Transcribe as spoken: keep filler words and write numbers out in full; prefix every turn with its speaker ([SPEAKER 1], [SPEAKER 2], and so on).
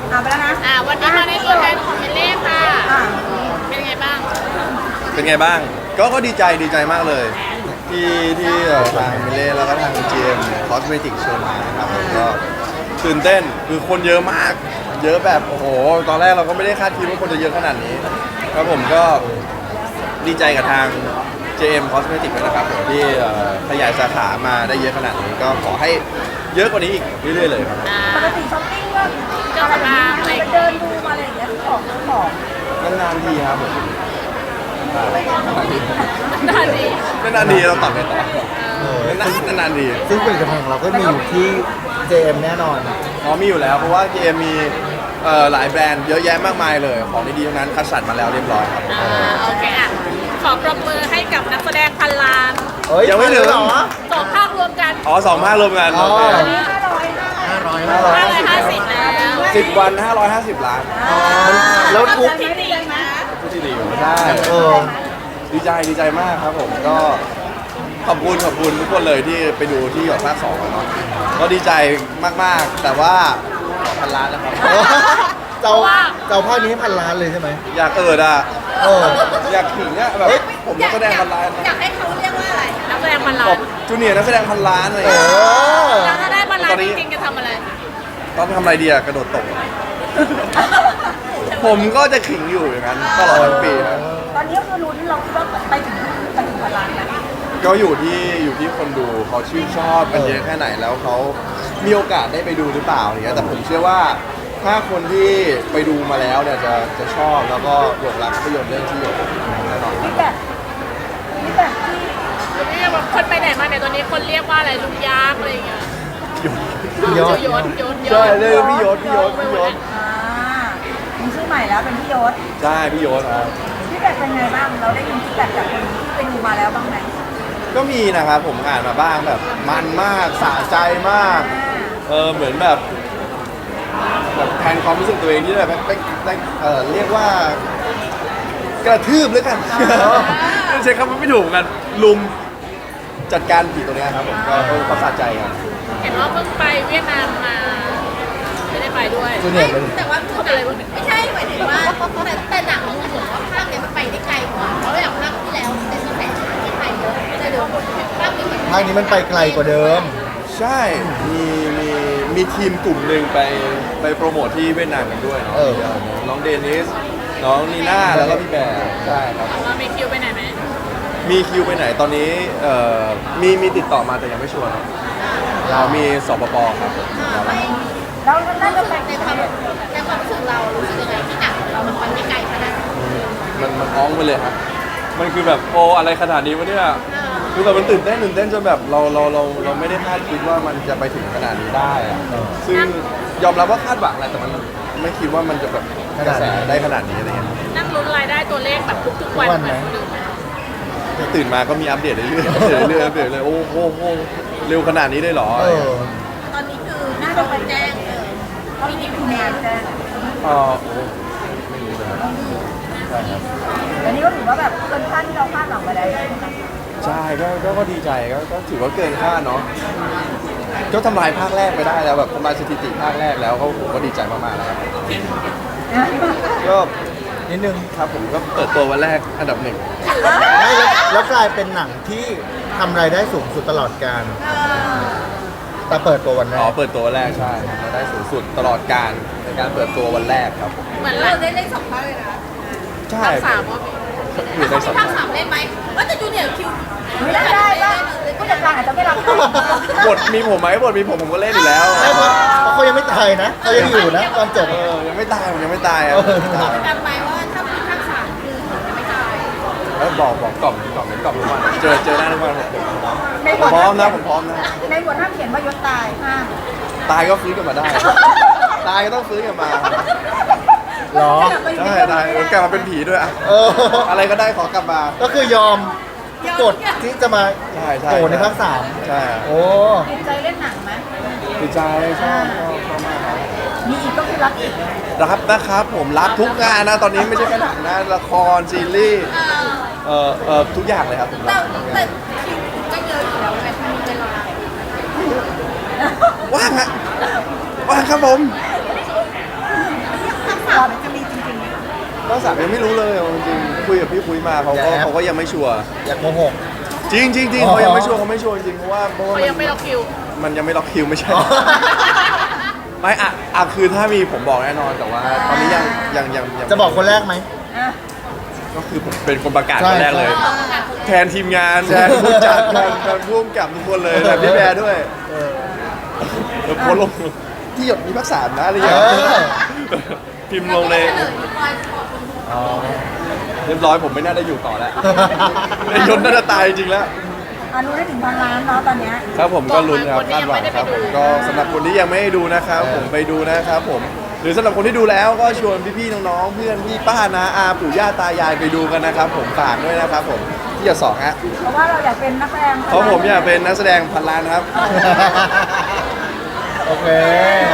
[SPEAKER 1] อ่าไปแล้วนะ
[SPEAKER 2] อ่าวันนี้มาในตัวแทนของเมเล่ค่ะเป็นไงบ้าง
[SPEAKER 3] เป็นไงบ้างก็ก็ดีใจดีใจมากเลย ที่ที่เอ่อทางมิเล่แล้วก็ทาง จี เอ็ม Cosmetic เชิญมานะครับผมก็ตื่นเต้นคือคนเยอะมาก เยอะแบบโอ้โหตอนแรกเราก็ไม่ได้คาดคิดว่าคนจะเยอะขนาดนี้ครับผมก็ดีใจกับทาง จี เอ็ม Cosmetic ด้วยนะครับผมที่เอ่อขยายสาขามาได้เยอะขนาดนี้ก็ขอให้เยอะกว่านี้อีกเรื่อยๆเลยครับ
[SPEAKER 1] ปกติช้อปปิ้งก็อะไรแบบนี้ไปเดินดูมาอะไรอย่างเงี้ยของของ
[SPEAKER 3] นานๆทีครับผมนานๆที
[SPEAKER 2] น่าดี
[SPEAKER 3] นานๆทีเราตอบไปต่อ
[SPEAKER 4] เออน
[SPEAKER 3] านๆนานๆที
[SPEAKER 4] ซึ่งผลิตภัณฑ์ของเราก็มีอยู่ที่ เจ เอ็ม แน่นอน
[SPEAKER 3] อ๋อมีอยู่แล้วเพราะว่า จี เอ็ม มีเอ่อหลายแบรนด์เยอะแยะมากมายเลยของดีๆทั้งนั้นคัดสรรมาแล้วเรียบร้อยครับ
[SPEAKER 2] อ่าโอเคอ่ะขอปรบมือให้กับนักแสดงพันล้าน
[SPEAKER 4] เอ้ย
[SPEAKER 3] ยังไม่ถึง
[SPEAKER 4] เหรอ
[SPEAKER 2] สองภาครวมกัน
[SPEAKER 3] อ๋อสองภาครวมกัน
[SPEAKER 4] อ๋อ
[SPEAKER 3] โอเค
[SPEAKER 1] อันนี้ห้าร้อยห้า
[SPEAKER 4] ห้าร้อย
[SPEAKER 2] ห้าร้อยห้าสิบแล้ว
[SPEAKER 3] สิบวันห้าร้อยห้าสิบล้าน
[SPEAKER 4] แล้วทุก
[SPEAKER 2] ที่ดีนะ
[SPEAKER 3] ผู้ที่ดีอยู่ใช่
[SPEAKER 4] เออ
[SPEAKER 3] ดีใจดีใจมากครับผมก็ขอบคุณขอบคุณทุกคนเลยที่ไปดูที่หยดภาคสองเนาะก็ดีใจมากๆ แต่ว่าพันล้านนะครับ
[SPEAKER 4] เจ้าเจ้าภาคนี้พันล้านเลยใช่ไหม
[SPEAKER 3] อยากเอิดอ่ะ
[SPEAKER 4] เออ
[SPEAKER 3] อยากขิงอ่ะแบบผมนักแสดงพันล้าน
[SPEAKER 1] อยากให้เขาเรียกว่าอะไร
[SPEAKER 2] นักแสดงพันล้า
[SPEAKER 3] บ
[SPEAKER 2] น
[SPEAKER 3] อกจูเนียร์นักแสดงพันล้านอะไรอ
[SPEAKER 4] เอย่าง
[SPEAKER 3] เงี้ย
[SPEAKER 4] อ
[SPEAKER 2] แล้วถ้าได้พันล้านจริงๆจะทำอะไร
[SPEAKER 3] ตอนทำอะไรดีอะกระโดดตก ผมก็จะขิงอยู่อย่างนั้นตลอดทั้งปีครับ
[SPEAKER 1] ตอนนี้ก็คือลุ้นเราคิดว่าไปถึงไปถึงพันล้านไหม
[SPEAKER 3] ก็อยู่ที่อยู่ที่คนดูเขาชื่นชอบกันเยอะแค่ไหนแล้วเขามีโอกาสได้ไปดูหรือเปล่าอย่างเงี้ยแต่ผมเชื่อว่าถ้าคนที่ไปดูมาแล้วเนี่ยจะจะชอบแล้วก็หลงรักภาพยนตร์เรื่องที่หยดแน่นอนค
[SPEAKER 1] นี่
[SPEAKER 3] รับ
[SPEAKER 1] แบบนี่แบบที่
[SPEAKER 2] เรียกว่าคนไปไหนมาไหนตอนนี้คนเรียกว่าอะไรลุงยักษ์อะไรอย่างเงี้ย
[SPEAKER 4] ยอด
[SPEAKER 2] โยนโยนโย
[SPEAKER 3] ใช่
[SPEAKER 2] น
[SPEAKER 3] เลยพี่ยศพี่ยศพี่ยศ
[SPEAKER 1] อ่ามีชื่อใหม่แล้วเป็นพี่ยศ
[SPEAKER 3] ใช่พี่ยศครับ
[SPEAKER 1] พี่แบบเป็นไงบ้างเราได้ยินพี่แบบจากคนที่ไปดูมาแล้วบ้างไหม
[SPEAKER 3] ก็มีนะครับผมอ่านมาบ้างแบบมันมากสะใจมาก
[SPEAKER 1] อ่า
[SPEAKER 3] เออเหมือนแบบแบบแทนความรู้สึกตัวเองที่แบบไปไปเออเรียกว่ากระทืบแล้วกันใช้คำว่าไม่ถูกกันลุมจัดการผีตัวเนี้ยครับผมก็ก็ก็สะใจกัน
[SPEAKER 2] เห็นว่าเพิ่งไปเวียดนามมา ไม่ได้ไปด้วย
[SPEAKER 4] จูเนียร์เป็น
[SPEAKER 5] แต่ว่า
[SPEAKER 2] เขาเป็นอะไรบ้าง
[SPEAKER 5] ไม่ใช่หมายถึงว่าแต่แต่หนังมันเหมือนว่าภาคเนี้ยมันไปได้ไกลกว่าเพราะอย่างภาคที่แล้วเป็นกระแสที่ไทยเยอะแต่เดี๋ยวภาคนี้เห็น
[SPEAKER 4] ภาคนี้มันไปไกลกว่าเดิม
[SPEAKER 3] ใช่มีมีมีทีมกลุ่มหนึ่งไปไปโปรโมทที่เวียดนามกันด้วยเนาะ
[SPEAKER 4] เออ
[SPEAKER 3] น้องเดนิสน้องนีน่าแล้วก็พี่แบร์ใช่ครับ
[SPEAKER 2] เรามีคิวไปไหนไหม
[SPEAKER 3] มีคิวไปไหนตอนนี้เอ่อมีมีติดต่อมาแต่ยังไม่ชัวร์ครับเรามีสปปครับผม
[SPEAKER 1] แล้วน่าจะไป
[SPEAKER 5] ในความในความรู้สึกเรารู้สึกยังไงที่หนังของเรามันไปไม่ไกลขนาดนั้น
[SPEAKER 3] มันมันอ้องไปเลยครับมันคือแบบโออะไรขนาดนี้วะเนี่ยคือแบบมันตื่นเต้นตื่นเต้นจนแบบเราเราเราเราไม่ได้คาดคิดว่ามันจะไปถึงขนาดนี้ได้อะซึ่งยอมรับว่าคาดหวังแหละแต่มันไม่คิดว่ามันจะแบบกระแสได้ขนาดนี้อะไรเงี้ย
[SPEAKER 2] นั่งลุ้นรายได้ตัวเลขแบบทุกๆวัน
[SPEAKER 4] ทุกวัน
[SPEAKER 2] เห
[SPEAKER 4] ไหม
[SPEAKER 2] มือนคนอื่นไหม
[SPEAKER 3] ตื่นมาก็มีอัปเดตเรื่อยๆเรื่อยๆอัปเดตเลยโอ้โหโอ้โหเร็วขนาดนี้ได้เหรอ
[SPEAKER 4] เออ
[SPEAKER 5] ตอนนี้คือ
[SPEAKER 1] น่า
[SPEAKER 5] น่า
[SPEAKER 1] จะ
[SPEAKER 5] จะ
[SPEAKER 1] ไป
[SPEAKER 5] ไป
[SPEAKER 1] แจ้
[SPEAKER 5] แจ้
[SPEAKER 1] ง
[SPEAKER 5] ง
[SPEAKER 1] เล
[SPEAKER 5] เลย ย
[SPEAKER 1] เขามีกี่แนนแจ้ง
[SPEAKER 3] เออโอ้ไม่รู้เลยครับใช่ครับ
[SPEAKER 1] อันนี้ก็ถือว่าแบบเกินคาดที่เราคาดหวังไปแล้ว
[SPEAKER 3] ใช่ก็ก็ก็ดีใจก็ก็ถือว่าเกินคาดเนาะก็ทำลายภาคแรกไปได้แล้วแบบทำลายสถิติภาคแรกแล้วก็ผมก็ดีใจมากๆแล้วครับก็
[SPEAKER 4] นิดนึง
[SPEAKER 3] ครับผมก็เปิดตัววันแรกอันดับหนึ่ง
[SPEAKER 4] ไม่แล้วแล้วกลายเป็นหนังที่ทำรายได้สูงสุดตลอดการแต่เปิดตัววันแร
[SPEAKER 3] อ๋อก เปิดตัววันแรกใช่เราได้สูงสุดตลอดการในการเปิดตัววันแรกครับผม
[SPEAKER 2] เหมือน
[SPEAKER 5] เรา
[SPEAKER 2] เรา
[SPEAKER 5] ได้เล่นสองภาคเลยนะ
[SPEAKER 3] ใช่
[SPEAKER 2] ภาคสามว่ามี
[SPEAKER 3] อยู่ใน
[SPEAKER 5] เขา
[SPEAKER 3] สั
[SPEAKER 5] มี
[SPEAKER 3] ป
[SPEAKER 5] ภาค
[SPEAKER 3] ดา
[SPEAKER 5] สาม
[SPEAKER 3] ห์
[SPEAKER 5] เล่นไหมว่าแต่จูเนียร์คิว
[SPEAKER 1] ไม่ได้ได้ว่าผู้จัดการอาจจะไม่รับ
[SPEAKER 3] บทมีผมไหมบทมีผมผมก็เล่นอยู่แล้ว
[SPEAKER 4] ไม่เพราะเพราะเขายังไม่ตายนะเขายังอยู่นะตอนจบ
[SPEAKER 3] เออยังไม่ตายผมยังไม่ตายอ่ะ
[SPEAKER 4] เออ
[SPEAKER 3] ยังไม่ตาย
[SPEAKER 5] กันไหมว่าถ้ามีภาคสามคือผมจะไม่ตาย
[SPEAKER 3] แล้วบอกบอกกล่อมกล่อมกล่อมทุกวันเจอเจอหน้าทุกวันผม
[SPEAKER 1] ใน
[SPEAKER 3] ผ
[SPEAKER 1] บ
[SPEAKER 3] ม
[SPEAKER 1] ท
[SPEAKER 3] พร้อมนะผมพร้อมนะ
[SPEAKER 1] ในบทห้ามเขียนว่ายศตายห้าม
[SPEAKER 3] ตายก็ฟื้นกลับมาได้ ตายก็ต้องฟื้นกลับมา
[SPEAKER 4] เหรอ
[SPEAKER 3] ใช่ตายกลับมาเป็นผีด้วยอะ
[SPEAKER 4] เออ
[SPEAKER 3] อะไรก็ได้ขอกลับมา
[SPEAKER 4] ก็คือยอมกดที่จะมา
[SPEAKER 3] ใช่ใช่
[SPEAKER 4] โผล่ในภาคสาม
[SPEAKER 3] ใช่
[SPEAKER 4] โอ้
[SPEAKER 1] ติดใจเล่นหนังไหม
[SPEAKER 3] ดีใจชอบชอบชอบมากครับ
[SPEAKER 1] มีอีกก็คือรักอีก
[SPEAKER 3] รับนะครับผมรับทุกงานนะตอนนี้ไม่ใช่แค่หนังนะละครซีรีส์เอ่อเอ่อทุกอย่างเลยครับผม
[SPEAKER 5] แต่
[SPEAKER 3] รับ
[SPEAKER 5] แต่คิวก็เยอะอยู่แล้วไงมันมีเวลา
[SPEAKER 3] ว่างฮะว่างครับผม
[SPEAKER 1] อ
[SPEAKER 3] ภาคสามยังไม่รู้เลยเอาจริงๆคุยกับพี่คุยมาเขาก็เขาก็ยังไม่ชัวร์
[SPEAKER 4] อยากโกหก
[SPEAKER 3] จริงจริงจริง
[SPEAKER 4] อ๋อ
[SPEAKER 3] เขายังไม่ชัวร์เขาไม่ชัวร์จริงเพราะว่าเพราะว่า
[SPEAKER 2] เขา
[SPEAKER 3] มัน
[SPEAKER 2] ยังไม่ล็อกคิว
[SPEAKER 3] มันยังไม่ล็อกคิวไม่ใช่
[SPEAKER 4] อ๋อ
[SPEAKER 3] ไม่อะอะคือถ้ามีผมบอกแน่นอนแต่ว่าตอนนี้ยังยังยังยัง
[SPEAKER 4] จะบอกคนแรกไหม
[SPEAKER 1] อ่ะ
[SPEAKER 3] ก็คือผมเป็นคนประกาศ
[SPEAKER 4] ใช่
[SPEAKER 3] คนแรกเลย แทนทีมงานแทนผู้จัดแทนแทนผู้กำกับทุกคนเลยแทนพี่แบร์ด้วย
[SPEAKER 4] เออ
[SPEAKER 3] แล้วโพสต์ลงที่หยดมีภาคสามนะอะไรอย่าง
[SPEAKER 4] เอ
[SPEAKER 3] เงี้ย
[SPEAKER 4] อ
[SPEAKER 3] พิมพ์ลงเลย
[SPEAKER 5] เฉลยที่ปลายบอกคุณครู
[SPEAKER 4] อ๋อ
[SPEAKER 3] เรียบร้อยผมไม่น่าได้อยู่ต่อแล้วไอ้ยนต์น่าจะตายจริงๆแล้ว
[SPEAKER 1] อารู้ได้ถึงพันล้านเนาะตอนเนี้ย
[SPEAKER 3] ครับผมก็ลุ้นครับ
[SPEAKER 2] คนที่
[SPEAKER 3] คาด
[SPEAKER 2] ยัง
[SPEAKER 3] หวั
[SPEAKER 2] ไม่
[SPEAKER 3] ง
[SPEAKER 2] ได้
[SPEAKER 3] ครับ
[SPEAKER 2] ไป
[SPEAKER 3] ผ
[SPEAKER 2] ดู
[SPEAKER 3] มก็สำหรับคนที่ยังไม่ได้ดูนะครับ ผมไปดูนะครับผมหรือสำหรับคนที่ดูแล้วก็ชวนพี่ๆน้องๆเพื่อนพี่ป้านาอาปู่ย่าตายายไปดูกันนะครับผมฝากด้วยนะครับผมที่จะสองฮะ
[SPEAKER 1] เพราะว่าเราอยากเป็นนักแสดง
[SPEAKER 3] เพราะผมอยากเป็นนักแสดงพันล้านครับ
[SPEAKER 4] โอเค